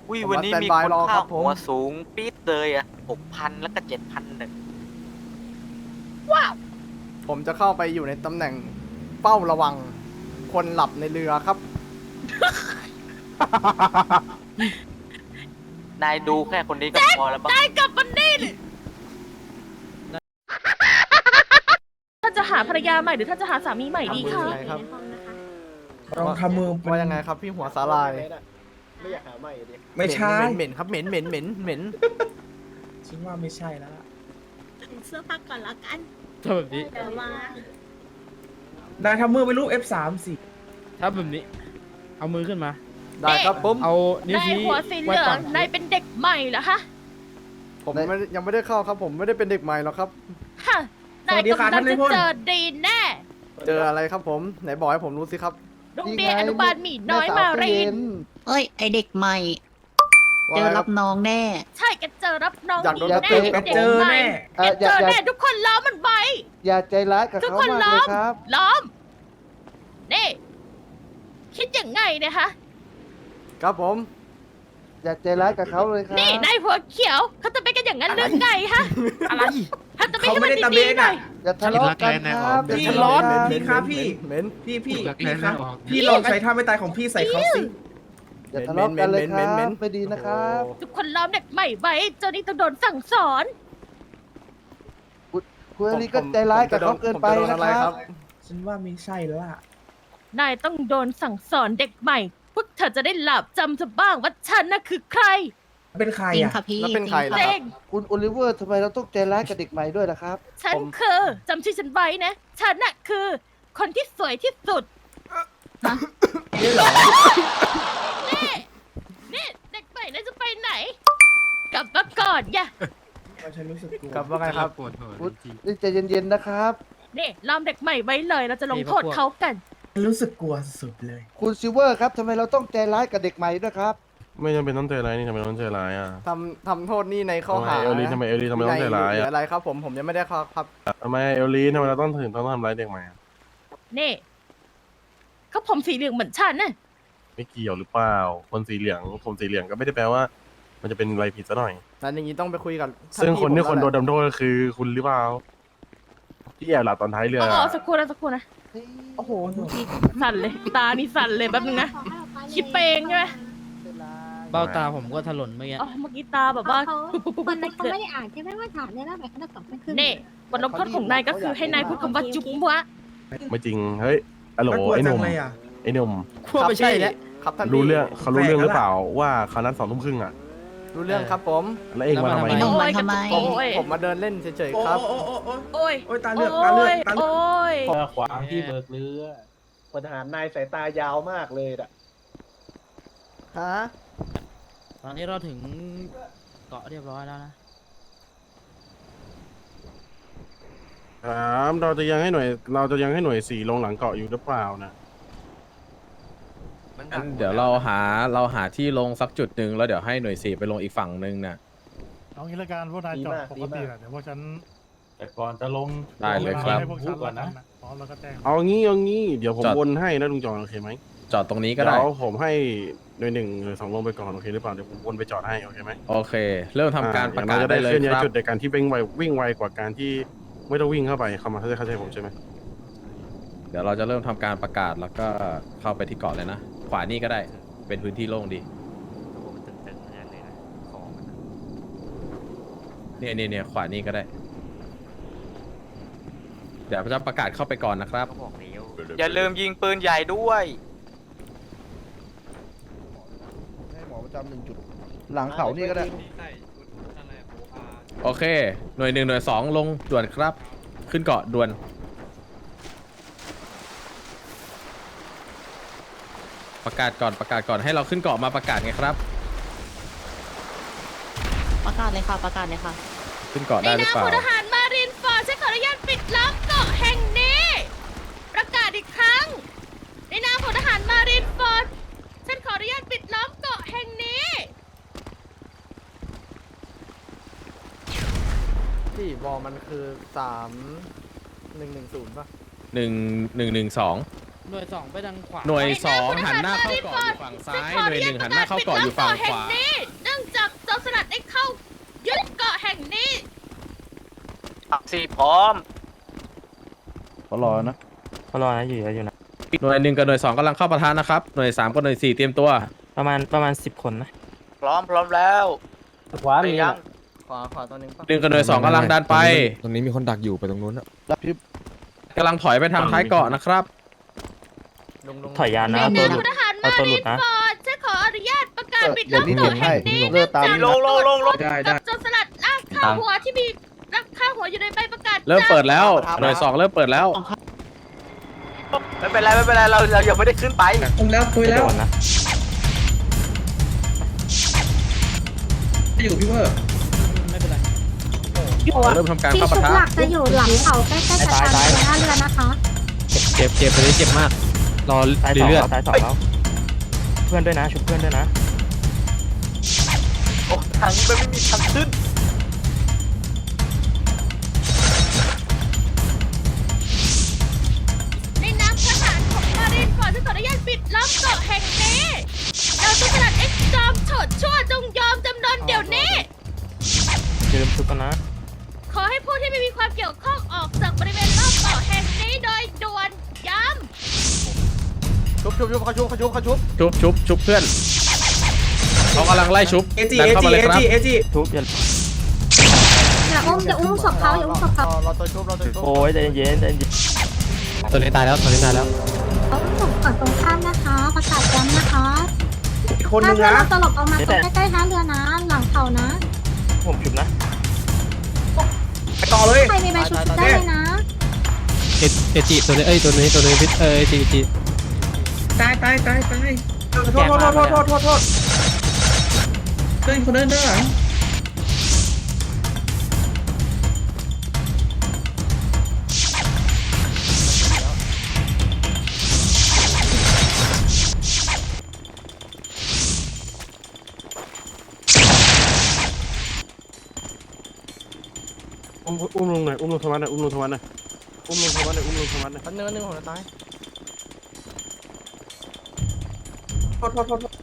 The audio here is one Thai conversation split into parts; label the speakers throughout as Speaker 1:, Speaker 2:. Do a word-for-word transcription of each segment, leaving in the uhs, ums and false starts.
Speaker 1: อุ้ย
Speaker 2: ผม
Speaker 1: วัน
Speaker 2: มา
Speaker 1: นี้
Speaker 2: สแตน
Speaker 1: มี
Speaker 2: บาย
Speaker 1: คน
Speaker 2: รอค
Speaker 1: ค่า
Speaker 2: รับผม
Speaker 1: หัวสูงปี๊ดเลยอ่ะหกพันแล้วก็เจ็ดพันหนึ่ง
Speaker 2: ผมจะเข้าไปอยู่ในตำแหน่งเฝ้าระวังคนหลับในเรือครับ
Speaker 1: นายดูแค่คนนี้ก็พอแล้วปะ
Speaker 3: ได้กลับมันนี่ท่านจะหาภรรยาใหม่หรือท่านจะหาสามีใหม่ดีคะ
Speaker 2: ทำมือยังไงครับ
Speaker 4: ลองทำมือเป็น
Speaker 2: ว่ายังไงครับพี่หัวสาลาย
Speaker 5: ไม่อยากหาใหม่ดิ
Speaker 4: ไม่ใช่
Speaker 2: เหม็นเหม็นครับเหม็นเหม็นเหม็นเหม็น
Speaker 4: ฉันว่าไม่ใช่แล้วล่ะ
Speaker 6: เสื้อผ้าก่อนละกัน
Speaker 7: ถ้าแบบนี้
Speaker 6: เดี๋ยวมา
Speaker 4: นายทำมือเป็นรูป เอฟ สาม สิ
Speaker 7: ถ้าแบบนี้ เอามือขึ้นมา
Speaker 2: ได้ครับผม
Speaker 7: เอานิ้วน
Speaker 3: าย
Speaker 7: ชี้
Speaker 3: หัวสีเห
Speaker 7: ไว้
Speaker 3: ลือ
Speaker 7: ฝั่
Speaker 3: ง
Speaker 7: ง
Speaker 3: นายเป็นเด็กใหม่เหรอคะ
Speaker 2: ผมไม่ได้ยังไม่ได้เข้าครับผมไม่ได้เป็นเด็กใหม่หรอกครับ
Speaker 3: ฮะ
Speaker 4: ส
Speaker 3: นาย
Speaker 4: วัสดีค่ะ
Speaker 3: กำลั
Speaker 4: ท่าง น
Speaker 3: จะ
Speaker 4: นายพล
Speaker 3: เจอดีแน่
Speaker 2: เจออะไรครับผมไหนบอกให้ผมรู้สิครับ
Speaker 3: โรงเรียนอนุบาลหมีน้อยมารีน
Speaker 6: เอ้ย ไอเด็กใหม่ เจอรับน้องแน่
Speaker 3: ใช่แกเจอรับน้อง
Speaker 2: อยากโดน
Speaker 3: ดี
Speaker 2: กระ
Speaker 3: แน่
Speaker 2: ตือ
Speaker 3: เด็
Speaker 2: ครับ
Speaker 3: ก
Speaker 4: เจอ
Speaker 3: ใหม่
Speaker 4: แน่
Speaker 3: แกเจอแน่ทุกคนล้อมมันไว้
Speaker 8: อย่าใจร้ายกับ
Speaker 3: ทุก
Speaker 8: เขา
Speaker 3: คน
Speaker 8: มาก
Speaker 3: ล้
Speaker 8: เล
Speaker 3: อย ม
Speaker 8: ครับ
Speaker 3: ล้อม นี่ คิดยังไงเนะคะ
Speaker 2: ครับผม
Speaker 8: อย่าใจร้ายกับเขาเลยครับ
Speaker 3: นี่นายหัวเขียวเขาจะไปกันอย่างนั้นหรือไงฮะ
Speaker 2: อะไร
Speaker 3: ถ้าจะไป
Speaker 4: เขา
Speaker 3: ให้
Speaker 4: ไม่
Speaker 3: มัน
Speaker 4: ได้ตะ
Speaker 3: ดี
Speaker 4: เบะ
Speaker 3: ๆหน่
Speaker 4: น่ะ
Speaker 3: อย
Speaker 8: อย่าทะเลาะกันครับ
Speaker 4: พี่
Speaker 8: อย่า
Speaker 4: ร้อน
Speaker 8: ทะเลาะกัน
Speaker 4: พี่ครับพี่
Speaker 2: เหม็น
Speaker 4: พี่พี่
Speaker 7: รัก
Speaker 4: พี่
Speaker 7: แร้
Speaker 4: ครับ
Speaker 7: ไม่ออก
Speaker 4: พี่ลองใช้ท่าไม่ตายของพี่ใส่เขาสิ
Speaker 8: อย่าทะเลาะกันเลยค
Speaker 2: เหม็
Speaker 8: รั
Speaker 2: นเหม็น
Speaker 8: บไม่ดีนะครับ
Speaker 3: ทุกคนล้อมเด็กใหม่ไว้เจ้านี่ต้องโดนสั่งสอน
Speaker 8: คุณอลีก็ใจร้ายกับเขาเกินไป
Speaker 2: ผมจโด
Speaker 8: นะ
Speaker 2: อะไร
Speaker 8: ครับ
Speaker 4: ฉันว่าไม่ใช่แล้วล่ะ
Speaker 3: นายต้องโดนสั่งสอนเด็กใหม่ พวกเธอจะได้หลับจำจะบ้างว่าฉันน่ะคือใคร
Speaker 4: เป็นใคร
Speaker 6: จริง
Speaker 4: อ่ะ
Speaker 6: ค่ะพี่
Speaker 2: แล้วเป็นใครล่ะ
Speaker 3: เจ
Speaker 2: ครับ
Speaker 3: ง
Speaker 8: คุณโอลิเวอร์ทำไมเราต้องใจร้ายกับเด็กใหม่ด้วยล่ะครับ
Speaker 3: ฉัน
Speaker 2: ผม
Speaker 3: คือจำชื่อฉันไว้นะ ฉันน่ะคือ คนที่สวยที่สุด
Speaker 4: นี่เหรอ
Speaker 3: นี่นี่เด็กใหม่นายจะไปไหน กลับมาก่อนอย่า
Speaker 4: ฉันรู้สึกกลัว
Speaker 2: ครับว่าไงครับ
Speaker 7: ปวดหัว
Speaker 8: คุณ
Speaker 7: จริง
Speaker 8: นี่ใจเย็นๆนะครับ
Speaker 3: นี่ล้อมเด็กใหม่ไว้เลย เราจะลงโทษเขากัน
Speaker 4: ฉันรู้สึกกลัวสุดเลย
Speaker 8: คุณซิลเวอร์ครับทำไมเราต้องใจร้ายกับเด็กใหม่ด้วยครับ
Speaker 9: ไม่จำเป็นต้องใจร้ายนี่ทำไมต้องใจร้ายอ่ะ
Speaker 2: ทำทำโทษนี่ในข้อหา
Speaker 9: ทำไมเอลลีทำไมเอลลีทำไมต้องใจร้าย
Speaker 2: หรือ
Speaker 9: อ่ะ
Speaker 2: อะไรครับผมผมยังไม่ได้เข้าครับ
Speaker 9: ทำไมเอลลีทำไมเราต้องถึงต้องทำร้ายเด็กใหม่อะ
Speaker 3: นี่เขาผมสีเหลืองเหมือนฉันน่ะ
Speaker 9: ไม่เกี่ยวหรือเปล่า คนสีเหลืองผมสีเหลืองก็ไม่ได้แปลว่า มันจะเป็นอะไรผิดซะหน่อย
Speaker 2: นั้นอย่างนี้ต้องไปคุยกับท่า
Speaker 9: ซึ่งคนที่
Speaker 2: พี่
Speaker 9: คน
Speaker 2: ผม
Speaker 9: โด
Speaker 2: แล้ว
Speaker 9: น
Speaker 2: แหละ
Speaker 9: ดำโทษก็คือคุณหรือเปล่าที่แอบหลับตอนท้ายเรือ
Speaker 3: อ๋อสักครู่นะสักครู่นะ โอ้โหดูที่สั่นเลย ตานี่สั่นเลยแป๊บนึงนะ คิดไปเองใช่ไหม
Speaker 7: เบ้าตาผมก็ถลนเมื่อกี้
Speaker 3: อ๋อเมื่อกี้ตาแบบว่า
Speaker 6: เขา
Speaker 3: ปุ๊บปุ๊บปุ๊บ
Speaker 6: คนนั้น
Speaker 3: ปุ๊บ
Speaker 6: เขา
Speaker 3: เลย
Speaker 6: ไม่ได้อ่านใช่ไหมว่าถามเนี่ยแล้วแบบเขาจะตอบไม่ขึ้น
Speaker 3: นี่บทลงโทษของนายก็คือให้นายพูดคำว่าจุ๊บวะ
Speaker 9: ไม่จริงเฮ้ยอะโหล
Speaker 4: น่ากลัว
Speaker 9: ไอ้ห
Speaker 4: จั
Speaker 9: นุ่
Speaker 4: ง
Speaker 9: ม
Speaker 4: เลยอ่ะ
Speaker 9: ไอ้หนุ่ม
Speaker 7: ขั้วไม่ใช่แล้ว
Speaker 2: ครับท่าน
Speaker 9: รู้
Speaker 2: พี่
Speaker 9: เรื่องเขารู้เรื่องหรือ
Speaker 4: แปลกแล้ว
Speaker 9: เปล่าว่าเขานัดสองทุ่มครึ่งอ่ะ
Speaker 2: รู้เรื่องครับผม
Speaker 9: แล้วเองมาทำไม
Speaker 7: แล้วมาทำไม
Speaker 3: โอ้ยกระตุก
Speaker 2: ผม
Speaker 3: โอ้ย
Speaker 2: ผมมาเดินเล่นเฉย
Speaker 4: โอ้
Speaker 2: ๆครับ
Speaker 4: โอ้โอ้โอ้
Speaker 3: โอ้ย
Speaker 4: โอ้ยตาเลือด
Speaker 3: โอ้
Speaker 4: ตาเลือด
Speaker 3: ย
Speaker 4: ตาเลือด
Speaker 3: โอ้ย
Speaker 5: ขวางที่เบิกเรือพลทหารนายสายตายาวมากเลยอ่ะ
Speaker 2: ฮะ
Speaker 7: ตอนนี้เราถึงเกาะเรียบร้อยแล้วนะ
Speaker 9: ถามเราจะยังให้หน่วย เราจะยังให้หน่วยสี่ลงหลังเกาะอยู่หรือเปล่านะ
Speaker 1: มันหนั
Speaker 10: งั้
Speaker 1: ก
Speaker 10: นเดี๋ยวเราหาเราหาที่ลงสักจุดหนึ่งแล้วเดี๋ยวให้หน่วยสี่ไปลงอีกฝั่งหนึ่งน่ะ
Speaker 11: เอางี้ละกันพวกนายจอดปกติแหละเดี๋ยวพวกฉัน
Speaker 5: แต่ก่อนจะลง
Speaker 10: ได้เลยครับ
Speaker 11: ให้พวกฉันก่อนนะพร้อมแล้วก็แจ้ง
Speaker 9: เอางี้เอางี้เดี๋ยวผม
Speaker 10: จอด
Speaker 9: วนให้นะลุงจอนโอเคไหม
Speaker 10: จอดตรงนี้ก็
Speaker 9: เดี๋
Speaker 10: ได้
Speaker 9: ยวผมให้หน่วยหนึ่งหรือสองลงไปก่อนโอเคหรือเปล่าเดี๋ยวผมวนไปจอดให้โอเคไหม
Speaker 10: โอเค เริ่มทำการประกาศ
Speaker 9: อ่อย่งน้อยจะ
Speaker 10: ได้
Speaker 9: ได้
Speaker 10: เลย
Speaker 9: เคลื่อนย้าย
Speaker 10: ครับ
Speaker 9: จุดในการที่วิ่งไววิ่งไวกว่าการที่ไม่ต้องวิ่งเข้าไปเข้ามาเข้าใจเข้าใจผมใช่ไหม
Speaker 10: เดี๋ยวเราจะเริ่มทำการประกาศแล้วก็เข้าไปที่เกาะเลยนะ ขวานี่ก็ได้เป็นพื้นที่โล่งดี
Speaker 1: โอ้โหมันตึงๆอย่างนั้นเลยนะของมันอะ
Speaker 10: เนี่ยเนี่ยเนี่ยขวานี่ก็ได้ เดี๋ยวจะประกาศเข้าไปก่อนนะครับ
Speaker 1: ก็บอกแล้วอย่าลืมยิงปืนใหญ่ด้วย
Speaker 8: ให้หมอประจำหนึ่งจุด หลังเขานี่ก็ได้
Speaker 10: โอเค หน่วยหนึ่งหน่วยสองลงด่วนครับ ขึ้นเกาะด่วน ประกาศก่อนประกาศก่อนให้เราขึ้นเกาะมาประกาศไงครับ
Speaker 6: ประกาศเลยค่ะ ประกาศเลยค่ะ
Speaker 10: ขึ้นเกาะ
Speaker 3: ใน
Speaker 10: ได้หรือ
Speaker 3: นาม
Speaker 10: เปล่า
Speaker 3: พลทหารมารินฟอร์ฉันขออนุญาตปิดล้อมเกาะแห่งนี้ ประกาศอีกครั้ง ในนามพลทหารมารินฟอร์ฉันขออนุญาตปิดล้อมเกาะแห่งนี้
Speaker 2: ที่บอลมันคือสามหนึ่งหนึ่งศูนย์ป่ะ
Speaker 10: หนึ่งหนึ่งหนึ่งสอง
Speaker 7: หน่วยสองไปทางขวา
Speaker 10: หน่วยสองหันหน้าเข้าเกาะอยู่ฝั่งซ้าย หน่วยหนึ่งหันหน้าเข้าเกาะอยู่ฝั่งขวา
Speaker 1: สี่พร้อม
Speaker 8: เขารอนะ
Speaker 7: เขารอนะอยู่อยู่นะ
Speaker 10: หน่วยหนึ่งกับหน่วยสองกำลังเข้าปะทะนะครับหน่วยสามกับหน่วยสี่เตรียมตัว
Speaker 7: ประมาณประมาณสิบคนนะ
Speaker 1: พร้อมพร้อมแล้ว
Speaker 7: ขวา
Speaker 1: ไป
Speaker 7: มี
Speaker 1: ยัง
Speaker 2: ขวาขวาตัวหนึงปะ
Speaker 10: หนึ่งกับหน่วยสองกำลังดันไป
Speaker 12: ตรงนี้มีคนดักอยู่ไปตรงนู้นอะ
Speaker 8: รับพิบ
Speaker 10: กำลังถอยไปทางท้ายเกาะนะครับ
Speaker 2: ลงลง
Speaker 7: ถอยยาน
Speaker 3: ใน
Speaker 7: นะ
Speaker 3: ห
Speaker 7: ตัว
Speaker 3: น้า
Speaker 7: หลุ
Speaker 3: พ
Speaker 7: ด
Speaker 3: ลทหาร
Speaker 7: เอา
Speaker 3: มา
Speaker 7: ตัวหลุ
Speaker 3: ริ
Speaker 7: ด
Speaker 3: น
Speaker 7: นะ
Speaker 3: ฟอร์ดฉันขออนุญาตประกาศปิด
Speaker 8: เดี๋
Speaker 3: ล้
Speaker 8: ยว
Speaker 3: อม
Speaker 8: นี้
Speaker 3: เกาะ
Speaker 8: เก็บ
Speaker 3: แห่
Speaker 8: ให้
Speaker 3: งนี้
Speaker 8: เลือกตาม
Speaker 3: จาก
Speaker 4: ลงลงลงลงได้ได้
Speaker 3: โจรสลัดลากข้าหัวที่มีลากข้าหัวอยู่ในใบประกาศ
Speaker 10: เริ่มเปิดแล้วหน่วยสองเริ่มเปิดแล้ว
Speaker 1: ไม่เป็นไรไม่เป็นไรเราเรายังไม่ได้ขึ้นไป
Speaker 4: ผมแล้วคุยแล้ว
Speaker 7: โดนนะ
Speaker 4: อยู่พี่เวอร์
Speaker 7: ไม่เป็นไร
Speaker 10: เริ่มทำการ
Speaker 6: ที่
Speaker 10: เข้า
Speaker 6: ชุ
Speaker 10: ปะ
Speaker 6: ด
Speaker 10: ทะ
Speaker 6: หลักจะอยู่หลังเขาใกล้ๆกับทางเรือท่าเรือนะคะ
Speaker 7: เจ็บเจ็บตัวนี้เจ็บมากรอตายสองแล้วตายสองแล้วเพื่อนด้วยนะชุบเพื่อนด้วยนะ
Speaker 1: โอ้ทางนี้มันไม่มีทางขึ้น
Speaker 3: ในน้ำทหารของมารินฟอร์ดฉันขออนุญาตปิดล้อมเกาะแห่งนี้เราโจรสลัดเอ็กซ์จอมโฉดชั่วจงยอมจำนนเดี๋ยวนี้
Speaker 7: อย่าลืมชุบกันนะ
Speaker 3: ขอให้ผู้ที่ไม่มีความเกี่ยวข้องออกจากบริเวณรอบเกาะแห่งนี้โดยด่วนย้
Speaker 2: ชุบชุบชุบเขาชุบเขาชุบเขาชุบ
Speaker 10: ชุบชุบชุบเพื่อนเขากำลังไล่ชุบ
Speaker 4: เอจี
Speaker 10: ดัน
Speaker 4: เอ
Speaker 10: เข้า
Speaker 4: จี
Speaker 10: มาเลย
Speaker 4: เอ
Speaker 10: ครับ
Speaker 4: จีเอจี
Speaker 7: ชุบอย่า
Speaker 6: อย่าอุ้มอย่าอุ้มศพเขาอย่าอุ้มศพเขา
Speaker 2: รอรอตัวชุบรอตัวชุบ
Speaker 7: โอ้ยใจเย็นใจเย็น
Speaker 12: ตัวนี้ตายแล้วตัวนี้ตายแล้ว
Speaker 6: เขาอุ้มศพฝั่งตรงข้ามนะคะ ประกาศย้ำนะคะ
Speaker 4: อีกคนนึ
Speaker 6: ถ้าง เรือ
Speaker 4: นะ
Speaker 6: เราตลบออกมาตรงใกล้ๆท่าเรือนะ หลังเขานะ
Speaker 7: ผมชุบนะ
Speaker 4: ไปต่อเลย
Speaker 6: ใครมีใบชุบได้เลยนะ
Speaker 12: เอเอจิตัวนี้เอ้ยตัวนี้ตัวนี้พิษเอเอจิจิ
Speaker 4: ตายตายตายตายโทษโทษโทษโทษโทษโทษโทษเดินคนเดินด้านหลัง
Speaker 9: อุ้มอุ้มลงหน่อยอุ้มลงธรรมะหน่อยอุ้มลงธรรมะหน่อยอุ้มลงธรรมะหน่อยอุ้มลงธรรมะหน่อย
Speaker 2: อันหนึงอันหนึงผมจะตาย
Speaker 4: โทษโทษโทษโทษ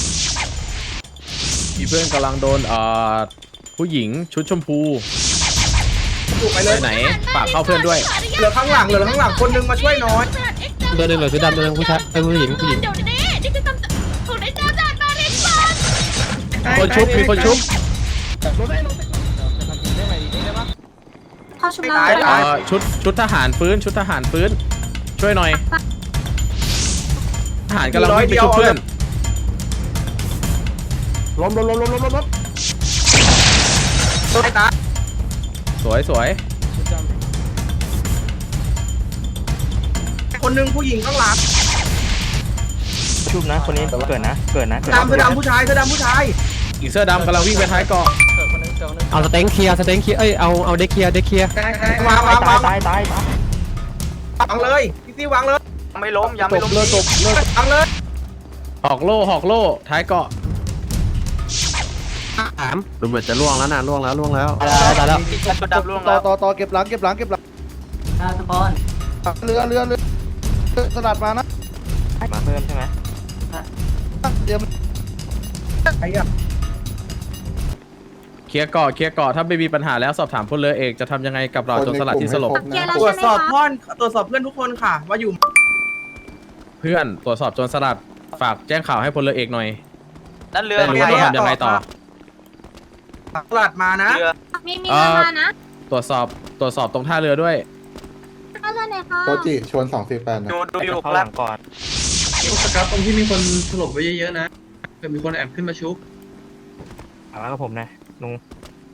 Speaker 10: มีเพื่อนกำลังโดนเอ่อผู้หญิงชุดชมพู
Speaker 4: อยู่ไป
Speaker 10: ไป
Speaker 4: เลย
Speaker 10: ไหนฝากเข้าเพื่อนด้วย
Speaker 4: เหลือข้างหลังเหลือข้างหลังคนนึงมาช่วยหน้อย
Speaker 12: ตัวหนึงเหลือชุดดำตัวหนึงผู้ชายเอ้ยผู้หญิงผู้หญิง
Speaker 3: เดี๋ยวนี้นี่คือคำสั่งของนายจ้าจามารินฟอร์ด
Speaker 10: คนชุบมีคนชุบ
Speaker 6: เขาชุบเรา
Speaker 10: เอ่อชุดชุดทหารฟื้นชุดทหารฟื้น ช่วยหน่อย ทหารกำลังวิ่งไปชุบเพื่อน
Speaker 9: ล้มล้มล้มล้มล้มล้มล้ม
Speaker 4: ตายตาย
Speaker 10: สวยสวย
Speaker 4: คนนึงผู้หญิงข้างหลัง
Speaker 7: ชุบนะคนนี้เกิดนะเกิดนะเกิด
Speaker 4: ดำเสื้อดำผู้ชายเสื้อดำผู้ชาย
Speaker 10: อีกเสื้อดำกำลังวิ่งไปท้ายเกาะ
Speaker 2: เกิดคนหนึงเกิดคนหนึง
Speaker 12: เอาสเต็งเคลียร์สเต็งเคลียร์เอ้ยเอาเอาเด็กเคลียร์เด็กเคลียร์
Speaker 4: ตายตายวางวางวาง
Speaker 7: ตายตายตาย
Speaker 4: วางเลยพี่ซี่วางเลย
Speaker 1: ยังไม่ล้มยัง
Speaker 10: ต
Speaker 1: ไม่
Speaker 10: บ
Speaker 1: ล้ม
Speaker 10: เลือดตบเลือด
Speaker 4: วางเลย
Speaker 10: หอกโล่หอกโล่ท้ายเกาะ
Speaker 12: สาม
Speaker 10: ดูเหมือนจะล่วงแล้วนะล่วงแล้วล่วงแล้ว
Speaker 12: ตายแล้วตายแล้ว
Speaker 1: ชุดดำร่วง
Speaker 8: ต่อ
Speaker 1: แล้ว
Speaker 8: ต่อต่อเก็บหลังเก็บหลังเก็บหลัง
Speaker 6: ทุกคน
Speaker 8: เรือเรือเรือสลัดมานะ
Speaker 7: มาเพิ่มใช่ไหม
Speaker 8: เตรียม
Speaker 4: ไอ้อะ
Speaker 10: เคลียร์เกาะเคลียร์เกาะถ้าไม่มีปัญหาแล้วสอบถามพลเรือเอกจะทำยังไงกับเราโจรสลัดที่สลบ
Speaker 6: เคลียร์แล้ว
Speaker 4: ตรว
Speaker 6: ใช่
Speaker 4: จ
Speaker 6: ไหม
Speaker 4: สอบ
Speaker 6: คะ
Speaker 4: พ่อนตรวจสอบเพื่อนทุกคนค่ะ ว่าอยู่
Speaker 10: เพื่อนตรวจสอบโจรสลัดฝากแจ้งข่าวให้พลเรือเอกหน่อย
Speaker 1: นั่นเรือ
Speaker 10: ได้รู้ว่าต้องทำยังไงต่อ
Speaker 4: ตลาดมานะ
Speaker 1: เรือ
Speaker 6: มีมีเรือมานะ
Speaker 10: ตรวจสอบตรวจสอบตรงท่าเรือด้วย
Speaker 6: ท่าเรือไหนคะ
Speaker 8: โตจิชวนสองสี่แปดนะ
Speaker 1: ดูดูอยู่
Speaker 7: เข้า
Speaker 1: ค
Speaker 7: ห
Speaker 1: รั
Speaker 7: ลั
Speaker 1: บ
Speaker 7: งก่อน
Speaker 4: สครับตรงที่มีคนถล่มไว้เยอะๆนะเผื่อมีคนแอบขึ้นมาชุบ
Speaker 7: เอามากับผมนะลุง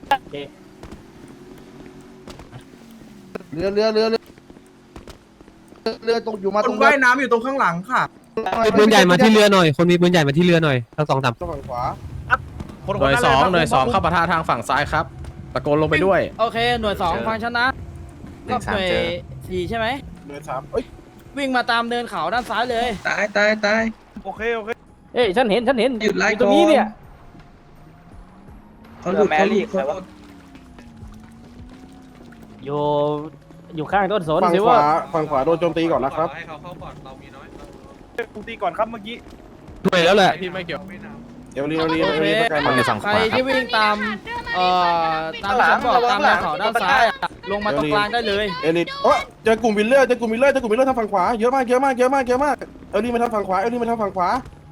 Speaker 8: เรือเรือเรือเรือเรือตกอยู่มา
Speaker 4: ค
Speaker 8: ตร
Speaker 4: น
Speaker 8: งเรือ
Speaker 4: ว่ายน้ำอยู่ตรงข้างหลังค่ะ
Speaker 12: มีปืนใหญ่มาที่เรือหน่อยคนมีปืนใหญ่มาที่เรือหน่อยทั้งสองสาม
Speaker 8: ฝั่งขวา
Speaker 10: หน่วยสองหน่วยสองเข้าปะทะทางฝั่งซ้ายครับตะโกนลงไปด้วย
Speaker 7: โอเคหน่วยสองฟังฉันนะก็หน่วยสี่ใช่ไหม
Speaker 8: เรือสามเอ้ย
Speaker 7: วิ่งมาตามเนินเขาด้านซ้ายเลย
Speaker 4: ตายตายตาย
Speaker 9: โอเคโอเค
Speaker 7: เอ้ยฉันเห็นฉันเห็น
Speaker 4: หยุดไล่
Speaker 7: ตรงนี้เนี่ย
Speaker 4: เขาหลุดเขาหลุดเขาหลุด
Speaker 7: อยู่อยู่ข้างต้นสน
Speaker 9: ฝั่ง
Speaker 7: สิ
Speaker 9: ขวา
Speaker 7: ว่า
Speaker 9: ฝั่งขวาโดนโจมตีก่อนนะครับ
Speaker 11: ตีก่อนครับเมื่อกี้
Speaker 12: หน่วยแล้วแหละ
Speaker 10: ที่ไม่เกี่ยว
Speaker 9: เดี๋ยวรีเดี๋ยวรี
Speaker 7: โอ
Speaker 9: เดี๋ยว
Speaker 7: เค
Speaker 9: รีสแกนมา
Speaker 7: ใครที่วิ่งตามเอ่อตามที่ฉันบอกตามแนวเขาด้านซ้ายอะลงมาตรงกลางได้เลย
Speaker 9: เอลิทโอ้ยเจอกลุ่มวิลเลอร์เจอกลุ่มวิลเลอร์เจอกลุ่มวิลเลอร์ทางฝั่งขวาเยอะมากเยอะมากเยอะมากเยอะมากเอลิมาทางฝั่งขวาเอลิมาทางฝั่งขวา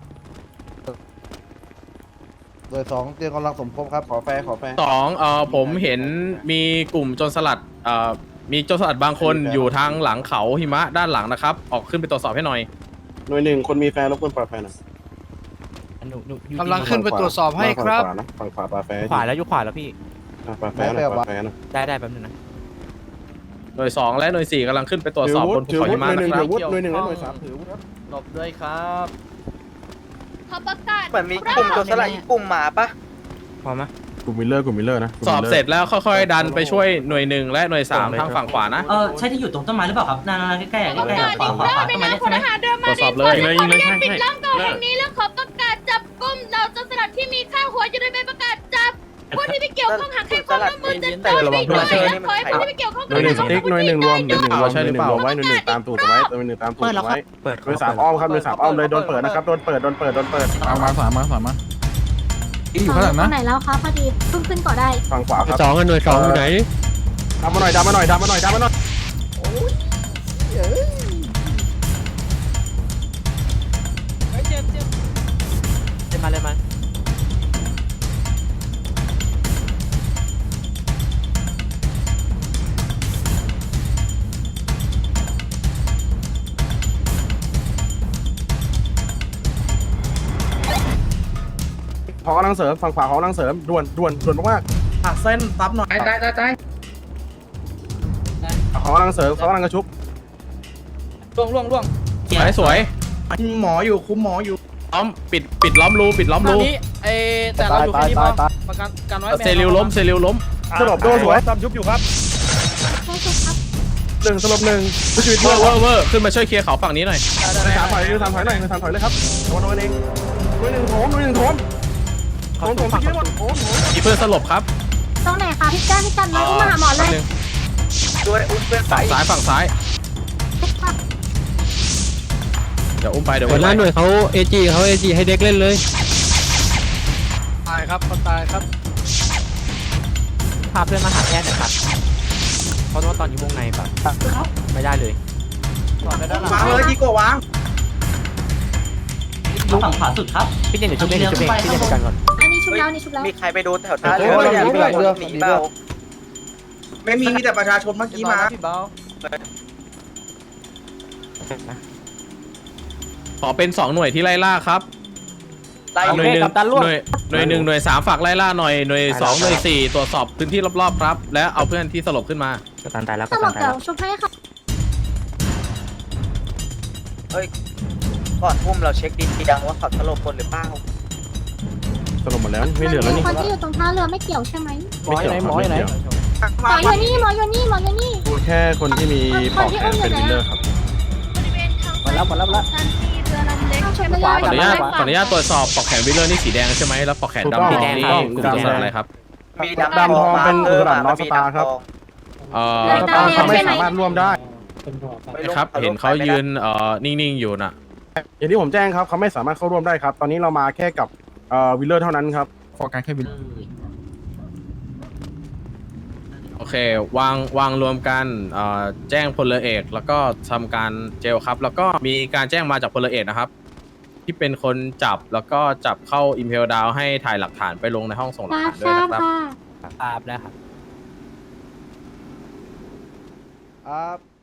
Speaker 8: โดยสองเตรียมกำลังสมทบครับ
Speaker 9: ขอแฟร์ขอแฟร์
Speaker 10: สองเอ่อผมเห็นมีกลุ่มโจรสลัดเอ่อมีโจรสลัดบางคนอยู่ทางหลังเขาหิมะด้านหลังนะครับ ออกขึ้นไปตรวจสอบให้หน่อย
Speaker 9: หน่วยหนึ่งคนมีแฟร์รบกวนปลาแฟร์หน่อย
Speaker 12: กำลังขึ้นไปตรวจสอบให้ครับ
Speaker 9: ฝั่งขวานะฝั่งขวาปลาแฟร์
Speaker 7: ขวาแล้วยุขวาแล้วพี่
Speaker 9: อ่ะปลาแฟร์หน่อยปลาแฟร์หน่อย
Speaker 7: ได้ได้แป๊บนึงนะ
Speaker 10: หน่วยสองและหน่วยสี่กำลังขึ้นไปตรวจสอบบนภู
Speaker 9: ถือ
Speaker 10: เขา
Speaker 9: วุ
Speaker 10: หิ
Speaker 9: ฒิห
Speaker 10: มะ
Speaker 9: น่วยหนึ่ง
Speaker 10: นะครั
Speaker 9: ถื
Speaker 10: บ
Speaker 9: อวุฒิหน่วยหนึ่งและหน่วยสามถือวุฒิครับ
Speaker 7: หลบด้วยครับ
Speaker 3: ขอประกาศ
Speaker 1: เหมือนมีกลุ่มโจรสลัดอีกกลุ่มมาปะ
Speaker 7: พอไหม
Speaker 9: กลุ่มวิลเลอร์กลุ่มวิลเลอร์นะกลุ่ม
Speaker 10: สอบ
Speaker 9: วิลล
Speaker 10: เสร็จแล้วค่อยๆดันไปช่วยหน่วยหนึ่งและหน่วยสามทางฝั่งขวานะ
Speaker 6: เออใช่ที่อยู่ตรงต้นไม้หรือเปล่าครับนั่นๆใกล้ๆ
Speaker 3: ประ
Speaker 6: ใกล้
Speaker 3: กาศ
Speaker 6: ๆขวา
Speaker 3: อีก
Speaker 6: ขวาร
Speaker 3: อ
Speaker 6: ขวา
Speaker 3: บใน
Speaker 6: ต้นไม้
Speaker 3: นาม
Speaker 6: เนี่ย
Speaker 3: พ
Speaker 6: ใช่ไหม
Speaker 3: ลทหารเรือมา
Speaker 10: ตรวจสอบเลย
Speaker 3: ขออนุญาตปิดล้อมเกาะแห่งนี้และขอประกาศจับกุมเราโจรสลัดที่มีค่าหัวอยู่ในใบประกาศจับผู้ที่ไม่เกี่ยวข้องหากใครความร่วมมือจะโดนวิ่งด้วยและขอให้ผู้ที่ไม่เกี่ยวข้อง
Speaker 9: หน่วยหนึ่งสติ๊กหน่วยหนึ่งรวมหน่วยหนึ่งรวมห
Speaker 10: ใช่
Speaker 9: น่วย
Speaker 10: ห
Speaker 9: ห
Speaker 10: รือ
Speaker 9: นึ่ง
Speaker 10: เปล่า
Speaker 9: รวมไว้หน่วยหนึ่งตามตูดไว้หน่วยหนึ่งตามตูดไว้หน่วยสามอ้อมครับหน่วยสามอ้อมเลยโดนเปิดนะครับโดนเปิดโดนเปิดโดนเปิด
Speaker 12: มามาสามมาสามมาอยู่ข้างหลังนะ
Speaker 3: ไหนแล้วคะพอดีเพิ่งขึ้นก่อได้
Speaker 9: ฝั่งขวาครับ
Speaker 12: สองกันหน่วยสองอยู่ไหน
Speaker 9: ดันมาหน่อยดันมาหน่อยดันมาหน่อยดันมาหน่อย
Speaker 7: เจ็บมาเลยมัน
Speaker 9: ขอกำลังเสริมฝั่งขวาขอกำลังเสริมด่วนด่วนด่วนมาก
Speaker 4: หักเส้นซับหน่อยได้ได้ได้
Speaker 9: ๆขอกำลังเสริมขอกำลังกระชุบ
Speaker 7: ล่วงล่วงล่วง
Speaker 10: สวยสวย
Speaker 4: หมออยู่คุมหมออยู่
Speaker 10: ล้อมปิดปิดล้อมรูปิดล้อมรู
Speaker 7: เอแต่เราอยู่แค่นี้พอประกันกันไว้
Speaker 10: เซริลล้มเซริลล้ม
Speaker 9: สลบโดสวย
Speaker 11: ตามชุบอยู่ครับ
Speaker 9: หนึ่งสลบหนึ่งผู้ชีวิต
Speaker 10: เว
Speaker 9: เว
Speaker 10: อ
Speaker 9: อ
Speaker 10: ร์
Speaker 9: ร์
Speaker 10: เวอร์เวอร์ขึ้นมาช่วยเคลียร์เขาฝั่งนี้หน่อย
Speaker 9: หน่วยสามถอยหน่วยสามถอยหน่อยหน่วยสามถอยเลยครับโดนโดนเองหน่วยหนึ่งโถมหน่วยหนึ่งโถมโถมโถมที่หมดโถมโถม
Speaker 10: มีเพื่อนสลบครับ
Speaker 3: ตรงไหนคะพี่จ้าพี่จันมาอุ้มมาหาหมอเลย
Speaker 10: แป๊บนึง
Speaker 1: ด้วยอุ้มเพื่อนไป
Speaker 10: ฝั่งซ้ายฝั่งซ้ายเดี๋ยวอุ้มไปเดี๋ยว
Speaker 12: หั
Speaker 10: อุ้
Speaker 12: ว
Speaker 10: ม
Speaker 12: ห
Speaker 10: ไป
Speaker 12: น้าหน่วยเขาเอจีเขาเอจีให้เด็กเล่นเลย
Speaker 7: ตายครับเขาตายครับพาเพื่อนมาหาแพทย์หน่อยครับเพราะว่าตอนนี้วงในแบบไม่ได้เลย
Speaker 4: วางเลยดีกว่าวาง
Speaker 6: ฝั่งขวาสุดครับ
Speaker 7: พี่เจนเดี๋ยวชุบเองเดี๋ยวชุบเองพี่เจนจัดการก่อน
Speaker 3: อันนี้ชุบแล้วนี่ชุบแล้ว
Speaker 1: มีใครไปโดนแถวท่าเรือหนีเปล่า
Speaker 4: ไม่มีมีแต่ประชาชนเมื่อกี้มา
Speaker 10: ขอเป็นสองหน่วยที่ไล่ล่าครับ
Speaker 1: ไล่
Speaker 10: หน่วยหนึ่งหน่วยหน่วยหนึ่งหน่วยสามฝากไล่ล่าหน่อยหน่วยสองหน่วยสี่ตรวจสอบพื้นที่รอบๆครับ และเอาเพื่อนที่สลบขึ้นมา
Speaker 7: กัปตันตายแล้ว
Speaker 3: ต
Speaker 7: กัป
Speaker 3: ล
Speaker 7: ตั
Speaker 3: บ
Speaker 7: นตาย
Speaker 3: เดี๋ย
Speaker 7: แล้ว ว
Speaker 3: ชุบให้ค่ะ
Speaker 1: ก่อนอุ้มเราเช็คดีดังว่าเขาสลบคนหรือเปล่า
Speaker 9: สลบหมดแล้วไม่เหลือแล้วนี่
Speaker 3: คนที่อยู่ตรงท่าเรือไม่เกี่ยวใช่ไหม
Speaker 9: ไม่เกี่ยวครับไม่เกี่ยว
Speaker 3: หมออยู่นี่หมออยู่นี่หมออยู่นี่
Speaker 9: ดูแค่คนที่มีปอกแขนเป็นวิลเลอร์ครับ
Speaker 3: บริเวณทางมาแล้วมาแล้วซันซีเรือลำเล็กใช่ไหม
Speaker 10: ขออนุญาตขออนุญาตตรวจสอบปลอกแขนวิลเลอร์นี่สีแดงใช่ไหมแล้วปลอกแขนดำ
Speaker 9: ถูก
Speaker 10: นี่
Speaker 9: ต้อง
Speaker 10: กลุ่มโจรสลัดอะไรครับ
Speaker 1: มี
Speaker 9: ดำทองเป็นอุตสาหนอสตาร์ครับ
Speaker 10: เอ่อ
Speaker 9: สตาร์เขาไม่สามารถร่วมได้
Speaker 10: ครับเห็นเขายืนเอ่อนิ่งๆอยู่น่ะ
Speaker 9: อย่างที่ผมแจ้งครับเขาไม่สามารถเข้าร่วมได้ครับ ตอนนี้เรามาแค่กับเอ่อวิลเลอร์เท่านั้นครับ
Speaker 12: โฟกัสแค่วิน
Speaker 10: โอเควางวางรวมกันเอ่อแจ้งพลเอกแล้วก็ทำการเจลครับ แล้วก็มีการแจ้งมาจากพลเอกนะครับ ที่เป็นคนจับแล้วก็จับเข้าอิมเพลดาวให้ถ่ายหลักฐานไปลงในห้องส่งหลักฐานด้วยนะครับ
Speaker 7: อาบแล้วครับ
Speaker 8: ครับ